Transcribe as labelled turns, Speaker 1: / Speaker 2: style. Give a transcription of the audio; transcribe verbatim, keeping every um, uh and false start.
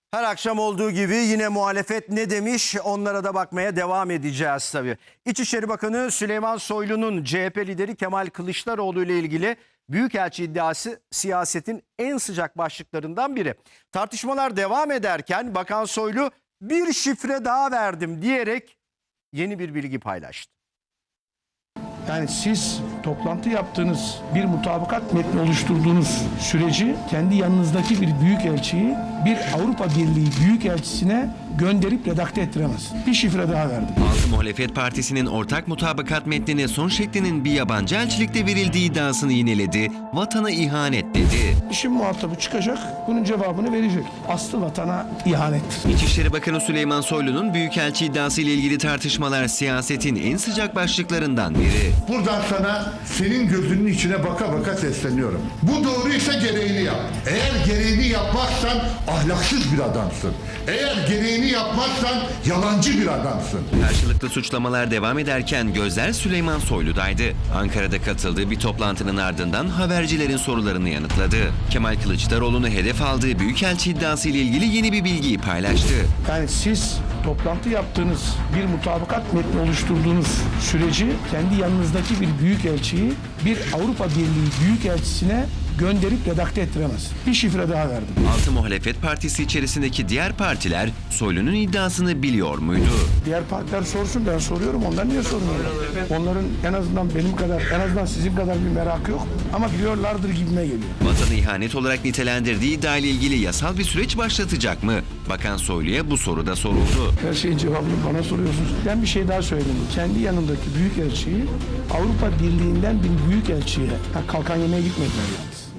Speaker 1: Her akşam olduğu gibi yine muhalefet ne demiş, onlara da bakmaya devam edeceğiz tabii. İçişleri Bakanı Süleyman Soylu'nun C H P lideri Kemal Kılıçdaroğlu ile ilgili büyükelçi iddiası siyasetin en sıcak başlıklarından biri. Tartışmalar devam ederken Bakan Soylu bir şifre daha verdim diyerek yeni bir bilgi paylaştı.
Speaker 2: Yani siz toplantı yaptığınız, bir mutabakat metni oluşturduğunuz süreci kendi yanınızdaki bir büyükelçiyi bir Avrupa Birliği büyükelçisine gönderip redakte ettiremez. Bir şifre daha verdim.
Speaker 3: Altı Muhalefet Partisi'nin ortak mutabakat metnine son şeklinin bir yabancı elçilikte verildiği iddiasını yineledi, vatana ihanet dedi.
Speaker 2: İşin muhatabı çıkacak, bunun cevabını verecek. Aslı vatana ihanet.
Speaker 3: İçişleri Bakanı Süleyman Soylu'nun büyükelçi iddiası ile ilgili tartışmalar siyasetin en sıcak başlıklarından biri.
Speaker 4: Buradan sana senin gözünün içine baka baka sesleniyorum. Bu doğruysa gereğini yap. Eğer gereğini yapmazsan ahlaksız bir adamsın. Eğer gereğini yapmazsan yalancı bir adamsın.
Speaker 3: Karşılıklı suçlamalar devam ederken gözler Süleyman Soylu'daydı. Ankara'da katıldığı bir toplantının ardından habercilerin sorularını yanıtladı. Kemal Kılıçdaroğlu'nu hedef aldığı büyükelçi iddiası ile ilgili yeni bir bilgiyi paylaştı.
Speaker 2: Yani siz toplantı yaptığınız, bir mutabakat metni oluşturduğunuz süreci kendi yanınızdaki bir büyükelçiyi bir Avrupa Birliği büyükelçisine gönderip redakte ettiremez. Bir şifre daha verdim.
Speaker 3: Altı Muhalefet Partisi içerisindeki diğer partiler Soylu'nun iddiasını biliyor muydu?
Speaker 2: Diğer partiler sorsun, ben soruyorum. Onlar niye sormuyorlar? Onların en azından benim kadar, en azından sizin kadar bir merakı yok. Ama biliyorlardır gibime geliyor.
Speaker 3: Vatanı ihanet olarak nitelendirdiği iddia ile ilgili yasal bir süreç başlatacak mı? Bakan Soylu'ya bu soru da soruldu.
Speaker 2: Her şeyin cevabını bana soruyorsunuz. Ben bir şey daha söyleyeyim. Kendi yanındaki büyükelçiyi Avrupa Birliği'nden bir büyükelçiye, ha, kalkan yemeğe gitmediler yalnız.